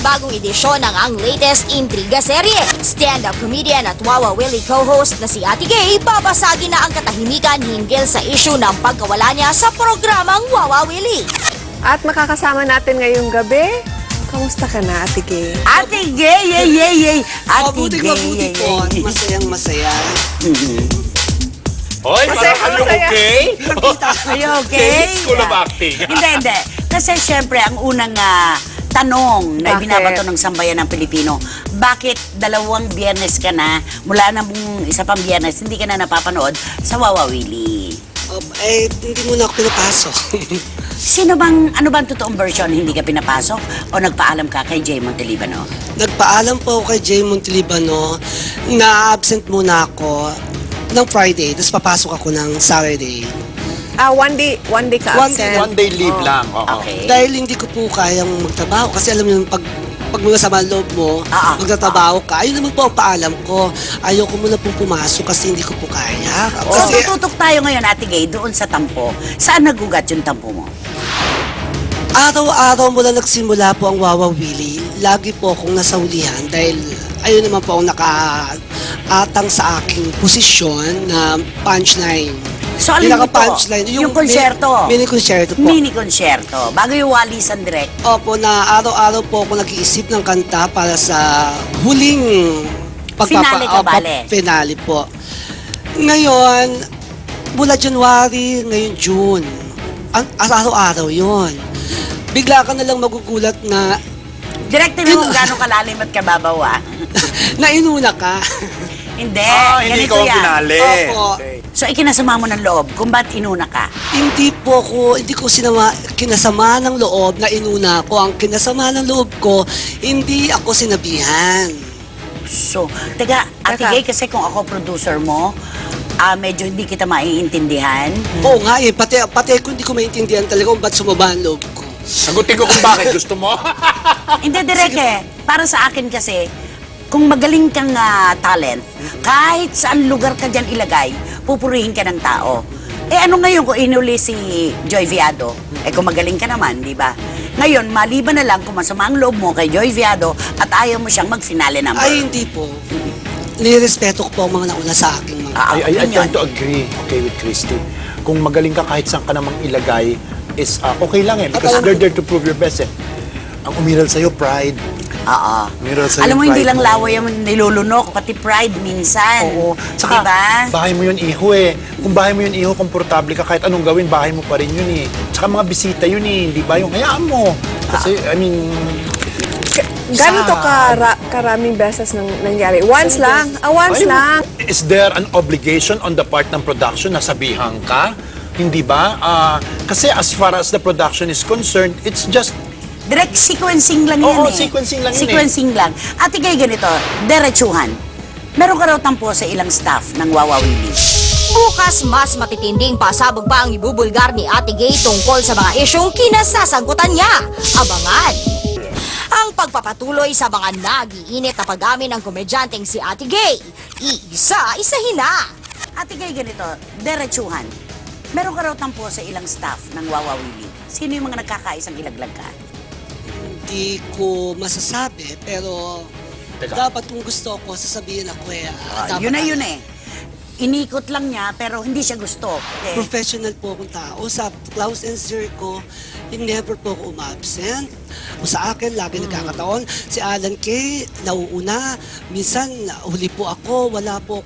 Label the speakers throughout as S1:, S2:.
S1: panibagong edisyon ng ang latest intriga serye. Stand-up comedian at Wawa Willie co-host na si Ate Gay, babasagin na ang katahimikan hinggil sa issue ng pagkawala niya sa programang Wawa Willie.
S2: At makakasama natin ngayong gabi. Kamusta ka na, Ate Gay?
S3: Ate Gay, yay, yay, yay. Ate
S4: Mabuti,
S3: Gay,
S4: mabuti
S3: yay,
S4: po.
S3: yay.
S4: Masayang masaya.
S5: Hoy,
S2: Masaya,
S5: parang you
S2: masaya.
S5: okay?
S3: Are you okay?
S5: School of acting.
S3: Hindi. Kasi syempre, ang unang tanong na
S2: Bakit?
S3: ibinabato ng sambayan ng Pilipino, bakit 2 biyernes ka na, mula na mong isa pang biyernes, hindi ka na napapanood sa Wawa Willie?
S4: Hindi muna ako pinapasok.
S3: Ano bang totoong version? Hindi ka pinapasok? O nagpaalam ka kay Jay Montelibano?
S4: Nagpaalam po ako kay Jay Montelibano na absent muna ako ng Friday, tapos papasok ako ng Saturday.
S2: One day ka absent.
S5: One day leave lang. Oo.
S3: Okay.
S4: Dahil hindi ko po kayang magtrabaho kasi alam niyo pag mula sa loob mo, magtatrabaho ka, ayun naman po ang paalam ko. Ayoko muna po pumasok kasi hindi ko po kaya.
S3: So
S4: Kasi
S3: tututok tayo ngayon, Ate Gay, doon sa tampo. Saan nagugat yung tampo mo?
S4: araw-araw mula nagsimula po ang Wawa Willie, lagi po akong nasahulihan dahil ayun naman po ang nakaatang sa aking posisyon na punchline.
S3: So alin ito?
S4: Pinaka-punchline.
S3: Yung konsyerto?
S4: Mini-konsyerto po.
S3: Mini-konsyerto. Bago yung walisan direct.
S4: Opo, na araw-araw po ako nag-iisip ng kanta para sa huling
S3: Finale ka, bale?
S4: Finale po. Ngayon, mula January, ngayon June, araw-araw yon. Bigla ka na lang magugulat na
S3: Direct mo kung gano'ng kalalim at kababaw,
S4: nainuna ka.
S3: Hindi,
S5: Hindi
S3: ganito
S5: ka ang
S3: yan.
S5: finale.
S4: Opo.
S5: Okay.
S3: So ikinasama mo ng loob kung ba't inuna ka.
S4: Hindi ko kinasama ng loob na inuna ko. Ang kinasama ng loob ko, hindi ako sinabihan.
S3: So, Ate
S2: Teka.
S3: Gay, kasi kung ako producer mo, medyo hindi kita maiintindihan.
S4: Oo nga eh, pati ako hindi ko maintindihan talaga kung ba't sumaba ang loob ko.
S5: Sagutin ko kung bakit gusto mo.
S3: Hindi, direct Para sa akin kasi, kung magaling kang talent, kahit saan lugar ka dyan ilagay, pupurihin ka ng tao. Ano ngayon kung inuli si Joy Viado? Kung magaling ka naman, di ba? Ngayon, maliban na lang kung masama ang loob mo kay Joy Viado at ayaw mo siyang mag-finale number.
S4: Ay, hindi po. Nirespeto ko po ang mga nauna sa aking mga...
S5: I
S3: opinion.
S5: tend to agree, okay, with Christy. Kung magaling ka kahit saan ka namang ilagay, is okay lang because they're there to prove your best Ang umiral sa'yo, pride.
S3: Oo.
S5: Umiral sa'yo,
S3: Alam mo, hindi
S5: pride
S3: lang
S5: mo.
S3: laway ang nilulunok, pati pride minsan.
S5: Oo. Saka,
S3: diba?
S5: bahay mo yun, iho Kung bahay mo yun, iho, komportable ka, kahit anong gawin, bahay mo pa rin yun Tsaka mga bisita yun Di ba? Yung hayaan mo. Kasi, I mean...
S2: Gano'n to karaming beses nangyari? Once lang. Once
S5: Ay,
S2: lang.
S5: Is there an obligation on the part ng production na sabihan ka? Hindi ba? Kasi as far as the production is concerned, it's just...
S3: Direct sequencing lang yan
S5: Oo, sequencing lang yun
S3: Sequencing lang. Ate Gay, ganito, derechuhan. Meron ka raw tampo sa ilang staff ng Wawa Willie.
S1: Bukas, mas matitinding pasabog pa ang ibubulgar ni Ate Gay tungkol sa mga isyong kinasasagutan niya. Abangan! Ang pagpapatuloy sa mga nag-iinit na pag-amin ng komedyanteng si Ate Gay. Isa-isahin na!
S3: Ate Gay, ganito, derechuhan. Meron ka raw tampo sa ilang staff ng Wawa Willie. Sino yung mga nagkakaisang ilaglag ka?
S4: Hindi ko masasabi, pero
S5: Teka.
S4: dapat kung gusto ko, sasabihin ako dapat
S3: Yun na yun Inikot lang niya, pero hindi siya gusto.
S4: Professional po akong tao. Sa Klaus and Sir ko, never po ako umabsent. O sa akin, lagi nagkakataon. Si Alan Kay, nauuna. Minsan, huli po ako. Wala po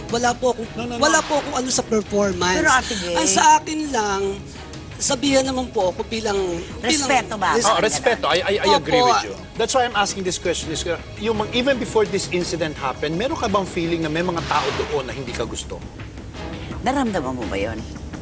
S4: akong ano sa performance.
S3: Pero Ate Gay-
S4: Ang sa akin lang, sabihan naman po ako bilang...
S3: Respeto ba?
S5: respeto. I agree
S4: Opo.
S5: with you. That's why I'm asking this question. Even before this incident happened, meron ka bang feeling na may mga tao doon na hindi ka gusto?
S3: Naramdaman mo ba yun?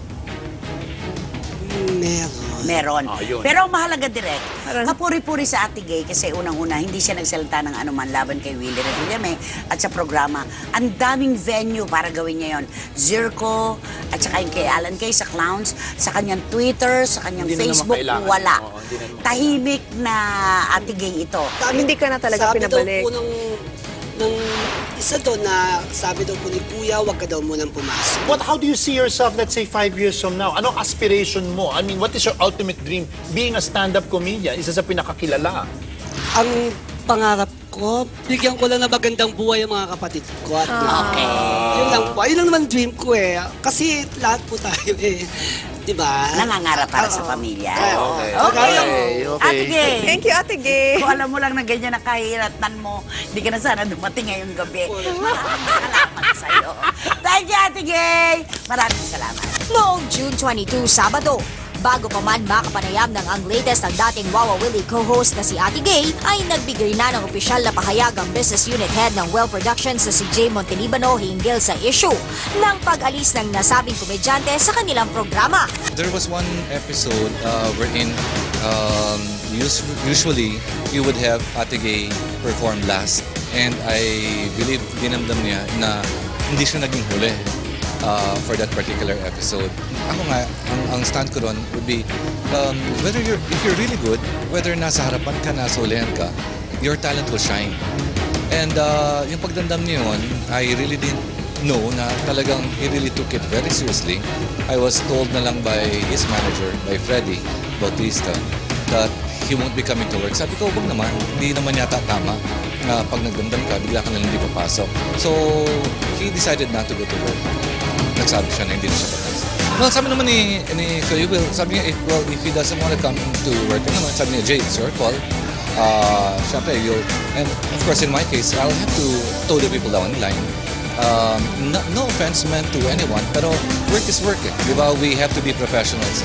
S4: Meron.
S3: Meron.
S5: Yun.
S3: Pero ang mahalaga direct, kapuri-puri sa Ate Gay kasi unang-una, hindi siya nagsalita ng anuman laban kay Willie Revillame at sa programa. Ang daming venue para gawin niya yun. Zirco, at saka yung kay Alan Kay sa Clowns, sa kanyang Twitter, sa kanyang
S5: Hindi na naman
S3: Facebook,
S5: kailangan.
S3: wala.
S5: Oo, hindi na naman
S3: Tahimik na Ate Gay ito.
S2: Hindi ka na talaga pinabalik.
S4: Sabi daw po ng isa doon na sabi daw po ni Kuya, wag ka daw munang pumasok.
S5: How do you see yourself, let's say, 5 years from now? Anong aspiration mo? I mean, what is your ultimate dream? Being a stand-up comedian, isa sa pinakakilala.
S4: Ang pangarap ko, bigyan ko lang na magandang buhay ang mga kapatid ko. At
S3: Okay.
S4: yun lang po. Yun lang naman dream ko eh. Kasi lahat po tayo eh. Diba?
S3: Nangangarap para sa pamilya.
S5: Okay.
S3: Okay.
S5: Okay.
S3: Ate Gay.
S2: Thank you, Ate Gay.
S3: Kung alam mo lang na ganyan na kahiratan mo, hindi ka na sana dumating ngayong gabi. Maraming salamat sa'yo. Thank you, Ate Gay. Maraming salamat.
S1: Noong June 22, Sabado, bago pa man makapanayam ng ang latest ng dating Wawa Willie co-host na si Ate Gay, ay nagbigay na ng opisyal na pahayag ang business unit head ng Well Productions na si Jay Montelibano hinggil sa issue ng pag-alis ng nasabing komedyante sa kanilang programa.
S6: There was one episode wherein usually you would have Ate Gay perform last, and I believe dinamdam niya na hindi siya naging huli for that particular episode. Ako nga, ang stand ko ron would be if you're really good, whether nasa harapan ka, nasa ulihan ka, your talent will shine. And yung pagdamdam niyo yun, I really didn't know na talagang he really took it very seriously. I was told na lang by his manager, by Freddy Bautista, that he won't be coming to work. Sabi ko, wag naman, hindi naman yata tama na pag nagdamdam ka, bigla ka na lang hindi papasok. So, he decided not to go to work. Nagsabi siya na hindi na siya papasok. Well, sabi naman ni Kuya Will, sabi niya, if he doesn't want to come to work, naman, sabi niya, Jay, it's your call. Siyempre, and of course, in my case, I'll have to toe the people down the line. No offense meant to anyone, pero work is work eh. Di ba? We have to be professionals.